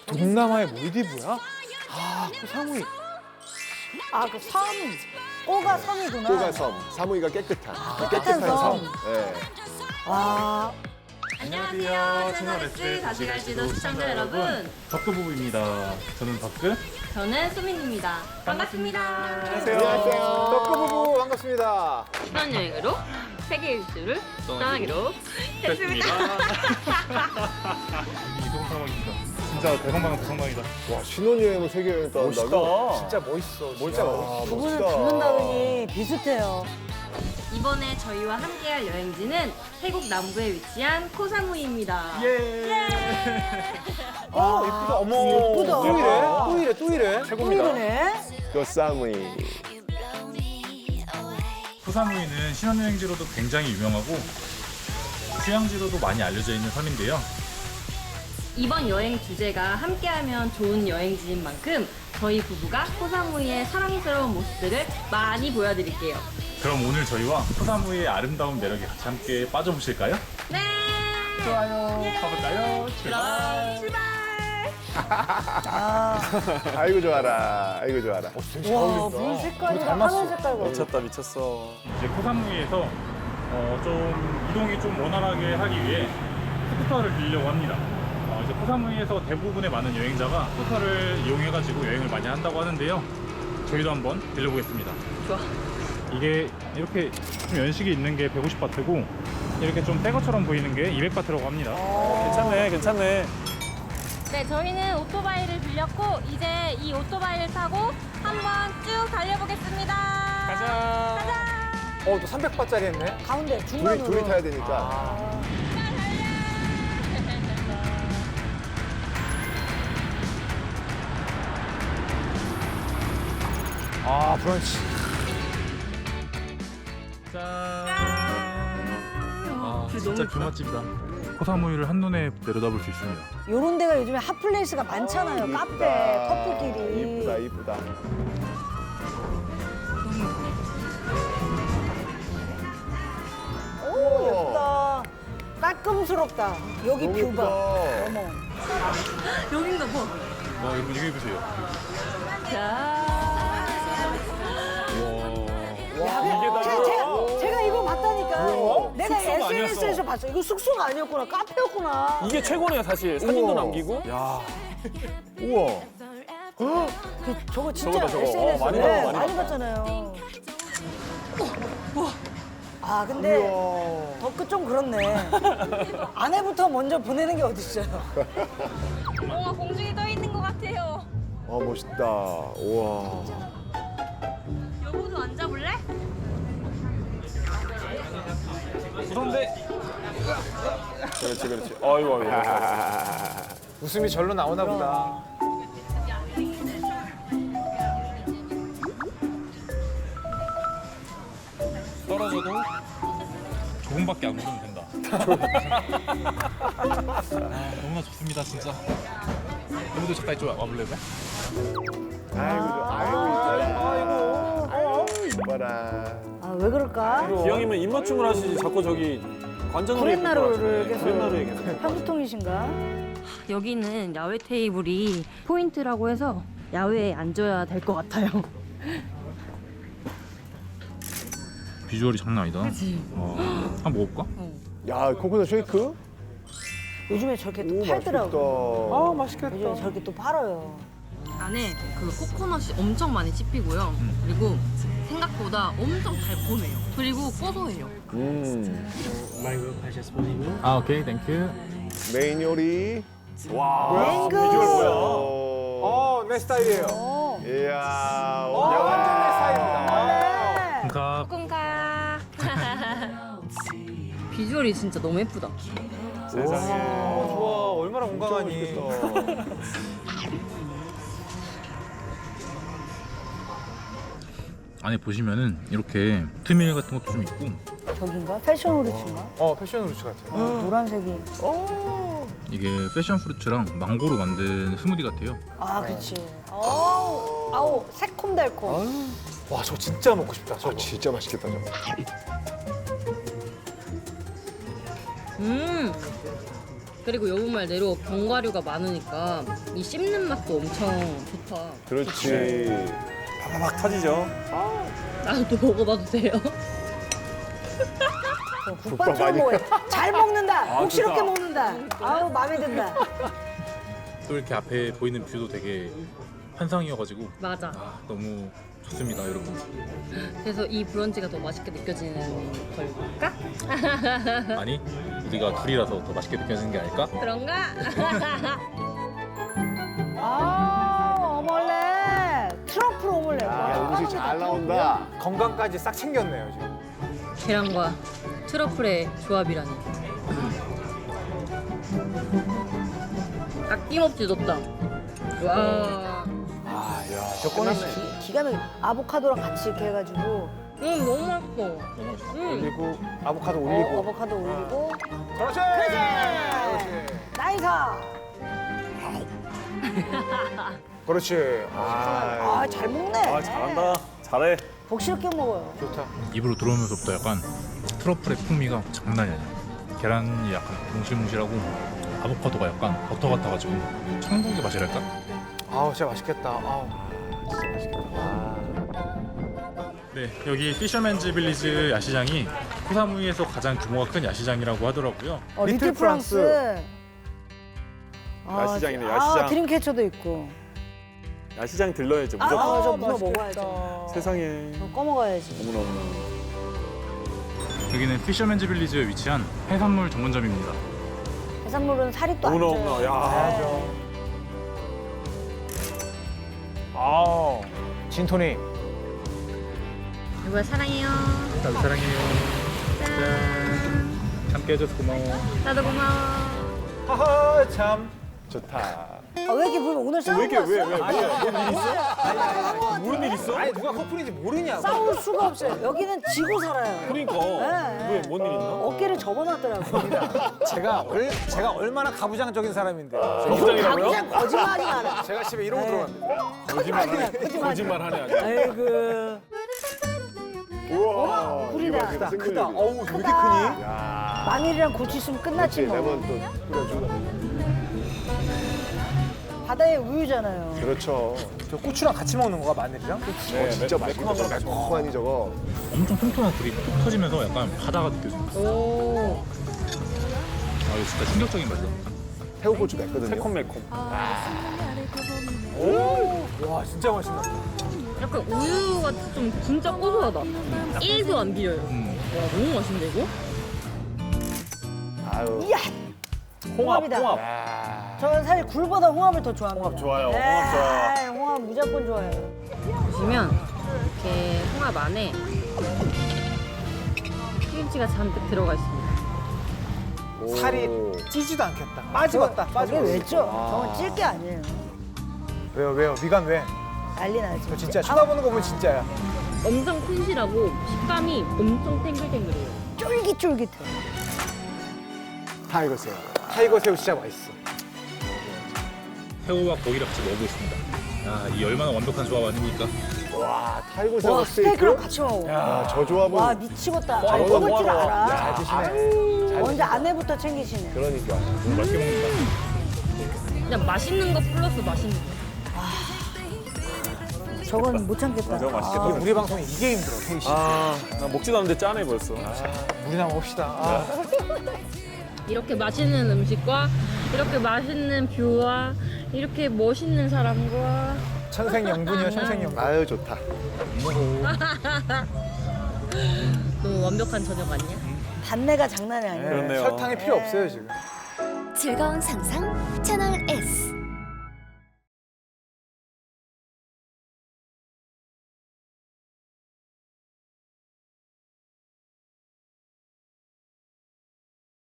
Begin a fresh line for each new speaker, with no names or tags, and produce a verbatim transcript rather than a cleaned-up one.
동남아의 몰디브야? 아, 그 사무이.
아, 그 섬. 꼬가 섬이구나.
꼬가 섬, 사무이가 깨끗한.
깨끗한 섬.
네.
와.
안녕하세요. 채널S 다시 갈지도 시청자 여러분.
덕구 부부입니다. 저는 덕구.
저는 수민입니다. 반갑습니다.
안녕하세요.
안녕하세요.
덕구 부부 반갑습니다.
신혼여행으로 세계 일주를 떠나기로 했습니다.
이동 상황입니다. 진짜 대성방은 대성방이다.
와, 신혼여행을 세계여행 떠난다고?
진짜 멋있어.
진짜 멋있다.
두 분은 듣는다더니 비슷해요.
이번에 저희와 함께할 여행지는 태국 남부에 위치한 코사무이입니다.
예.
어,
예쁘다. 어머.
예쁘다.
또 이래? 또 이래? 또 이래?
또 이러네.
그 사무이.
코사무이는 신혼여행지로도 굉장히 유명하고 휴양지로도 많이 알려져 있는 섬인데요.
이번 여행 주제가 함께하면 좋은 여행지인 만큼 저희 부부가 코사무이의 사랑스러운 모습들을 많이 보여드릴게요.
그럼 오늘 저희와 코사무이의 아름다운 매력에 같이 함께 빠져보실까요?
네!
좋아요. 가볼까요? 출발!
출발!
아,
아이고 좋아라. 아이고 좋아라.
와, 물 색깔이랑 하늘 색깔과.
미쳤다, 미쳤어.
이제 코사무이에서 어, 좀 이동이 좀 원활하게 하기 위해 스쿠터를 빌려고 합니다. 어, 이제 코사무이에서 대부분의 많은 여행자가 스쿠터를 이용해가지고 여행을 많이 한다고 하는데요. 저희도 한번 빌려보겠습니다.
좋아.
이게 이렇게 좀 연식이 있는 게 백오십 바트고 이렇게 좀 새 것처럼 보이는 게 이백 바트라고 합니다.
괜찮네, 괜찮네.
네, 저희는 오토바이를 빌렸고 이제 이 오토바이를 타고 한번 쭉 달려보겠습니다.
가자.
가자.
어, 또 삼백 바트짜리 했네.
가운데
둘이,
중간으로.
둘이 타야 되니까.
아, 브런치.
짠! 아, 진짜 뷰맛집이다. 코사무이를 한눈에 내려다볼 수 있습니다.
요런 데가 요즘에 핫플레이스가 많잖아요.
이쁘다.
카페, 커플끼리.
이쁘다, 이쁘다.
오, 예쁘다. 깔끔스럽다. 여기
너무
뷰
예쁘다.
봐. 어머.
여긴가 봐.
와, 여러분 이거 해보세요.
자.
야,
이게 다
제가, 제가, 제가 이거 봤다니까.
뭐야?
내가
숙소가
에스엔에스에서
아니었어.
봤어. 이거 숙소가 아니었구나. 카페였구나.
이게 최고네요, 사실. 사진도
우와.
남기고. 야.
우와.
그, 저거 진짜
저거다, 저거.
에스엔에스에
어, 많이
네,
봤어, 많이
많이 봤잖아요. 아, 근데
우와.
덕크 좀 그렇네. 아내부터 먼저 보내는 게 어딨어요.
뭔가 공중에 떠 있는 것 같아요.
아, 멋있다. 우와.
여보도 앉아볼래?
무서운데?
그렇지, 그렇지.
아이고, 아이고. 웃음이 절로 나오나 보다.
떨어져도 조금밖에 안 오르면 된다. 아, 너무나 좋습니다, 진짜. 여러분도 잠깐 이쪽 와볼래요?
아이고, 좋아. 아이고, 이뻐라. 아이고. 아이고, 이뻐라.
아, 왜 그럴까?
기왕이면 입맞춤을 하시지. 자꾸 저기 관전으로
구렛나루를 계속.
구렛나루에 계속.
편두통이신가?
여기는 야외 테이블이 포인트라고 해서 야외에 앉아야 될 것 같아요.
비주얼이 장난 아니다. 그치? 한번 먹어볼까?
야, 코코넛 쉐이크?
요즘에 저렇게 또
오,
팔더라고.
맛있겠다.
아, 맛있겠다.
요즘에 저렇게 또 팔아요.
안에 그 코코넛이 엄청 많이 씹히고요. 그리고 생각보다 엄청 달콤해요. 그리고 고소해요.
음.
아, 오케이, 땡큐.
메인 요리.
와.
맹구.
비주얼 뭐야?
오.
어, 내 스타일이에요.
어.
이야.
어, 완전 내 스타일입니다.
네.
가
콩카. 비주얼이 진짜 너무 예쁘다.
세상에. 어, 좋아. 얼마나 건강하니.
안에 보시면은 이렇게 트밀 같은 것도 좀 있고
저긴가? 패션 후르츠인가?
어, 패션 루츠 같아.
노란색이.
이게 패션 프루츠랑 망고로 만든 스무디 같아요.
아, 그치. 아우, 아우, 새콤달콤.
와, 저 진짜 먹고 싶다. 저거.
아, 진짜 맛있겠다, 저거.
음. 그리고 여분 말대로 견과류가 많으니까 이 씹는 맛도 엄청 좋다.
그렇지.
막 터지죠.
나도 먹어봐도 돼요?
국밥처럼
많이
먹어요. 잘 먹는다.
아,
혹시럽게
좋다.
먹는다. 아우 마음에 든다.
또 이렇게 앞에 보이는 뷰도 되게 환상이어가지고
맞아.
아, 너무 좋습니다, 여러분.
그래서 이 브런치가 더 맛있게 느껴지는 걸까?
아니, 우리가 둘이라서 더 맛있게 느껴지는 게 아닐까?
그런가?
아 오믈렛. 트러플 오믈렛.
아, 음식 잘 나온다.
건강까지 싹 챙겼네요 지금.
계란과 트러플의 조합이라니. 아낌없이 넣었다. 와.
아, 야, 저 꺼냈어.
기가 막히게 아보카도랑 같이 이렇게 해가지고
음, 너무 맛있어.
너무 맛있다.
음.
올리고 아보카도
어,
올리고.
아보카도 올리고
그렇지.
나이스.
그렇지. 아,
아잘 먹네.
아 잘한다. 잘해.
복스럽게 먹어요.
좋다.
입으로 들어오면서부터 약간 트러플의 풍미가 장난이 아니야. 계란이 약간 몽실몽실하고 아보카도가 약간 버터 같아가지고 천국의 맛이랄까?
아우, 진짜 맛있겠다. 아우.
진짜 맛있겠다. 아.
네, 여기 피셔맨즈 빌리지 야시장이 코사무이에서 가장 규모가 큰 야시장이라고 하더라고요.
어, 리틀,
리틀
프랑스.
프랑스.
아,
야시장이네,
아,
야시장.
드림캐쳐도 있고.
야시장 들러야죠.
아,
무조건.
아, 저 문어
맛있겠다.
먹어야죠.
세상에.
저 꺼먹어야지.
어머나 어머나.
여기는 피셔맨즈 빌리지에 위치한 해산물 전문점입니다.
해산물은 살이 또 안
어머나
쪄요.
어머나. 야.
가야죠. 아우, 진토닉.
여보야 사랑해요.
나도 사랑해요. 짠. 함께 해줘서 고마워.
나도 고마워.
하하, 참.
좋다.
아, 왜 이렇게 보면 오늘 싸우고
왜 이렇게 왜
왔어?
왜 뭔일 있어? 무슨 일 있어?
아니, 누가 커플인지 모르냐고.
싸울 수가 없어요. 여기는 지고 살아요.
그러니까.
네.
왜 뭔 일 있나?
어깨를 접어놨더라고요.
제가 얼, 제가 얼마나 가부장적인 사람인데.
거부장이라고요?
당장 거짓말하지 마라.
제가 집에 이러고
에이.
들어갑니다.
거짓말이야. 거짓말.
거짓말하네 아주.
아이고.
우와.
굴이다.
이거
크다,
생굴
크다.
얘기다.
어우, 왜 이렇게
크다.
크니?
야.
마늘이랑 고추 있으면 끝났지
그렇지.
뭐.
레몬 또 뿌려주고.
바다의 우유잖아요.
그렇죠.
저 고추랑 같이 먹는 거가 마늘이랑?
네, 진짜 맛있겠다. 저거 매콤하니 저거.
엄청 통통한 굴이 툭 터지면서 약간 바다가 느껴집니다.
오.
아, 이거 진짜 충격적인 맛이다.
새우고추 맵거든요.
매콤매콤.
와, 진짜 맛있다.
약간 우유가 좀 진짜 고소하다. 일도 안 비려요.
음.
와, 너무 맛있는데 이거?
아유.
이야.
홍합
홍합이다.
홍합.
야.
저는 사실 굴보다 홍합을 더 좋아합니다.
홍합 좋아요, 홍합 좋아요.
에이, 홍합 무조건 좋아해요.
보시면 이렇게 홍합 안에 튀김치가 잔뜩 들어가 있습니다.
오.
살이 찌지도 않겠다. 빠지겠다.
저게
빠지겠어.
왜죠? 저건 찔 게 아니에요.
왜요, 왜요? 미간 왜?
난리 나지.
저 진짜 쳐다보는 거 보면 진짜야.
엄청 튼실하고 식감이 엄청 탱글탱글해요.
쫄깃쫄깃해.
타이거 새우.
타이거 새우 진짜 맛있어.
새우와 고기를 같이 먹어보겠습니다. 야, 이 얼마나 완벽한 조합 아닙니까?
와, 타이거 새우
와,
스테이크?
스테이크랑 같이 먹어.
야, 저 조합은
와, 미치겠다.
와,
아니,
이거
먹을 줄
뭐하러 와.
알아.
잘 드시네.
먼저 아내부터 챙기시네.
그러니까.
너무 맛있게 먹는다.
그냥 맛있는 거 플러스 맛있는 거.
저건 못 참겠다.
저거 맛있겠다.
아,
우리, 우리 방송이 이게 힘들어, 태희 씨.
아, 나 먹지도 않는데 짠해 벌써.
우리나 먹읍시다. 아.
이렇게 맛있는 음식과 이렇게 맛있는 뷰와 이렇게 멋있는 사람과
천생연분이요, 천생연분.
아유, 좋다.
너무 완벽한 저녁 아니야?
단내가 장난이 아니에요.
그렇네요.
설탕이 필요 없어요, 지금.
즐거운 상상 채널 S.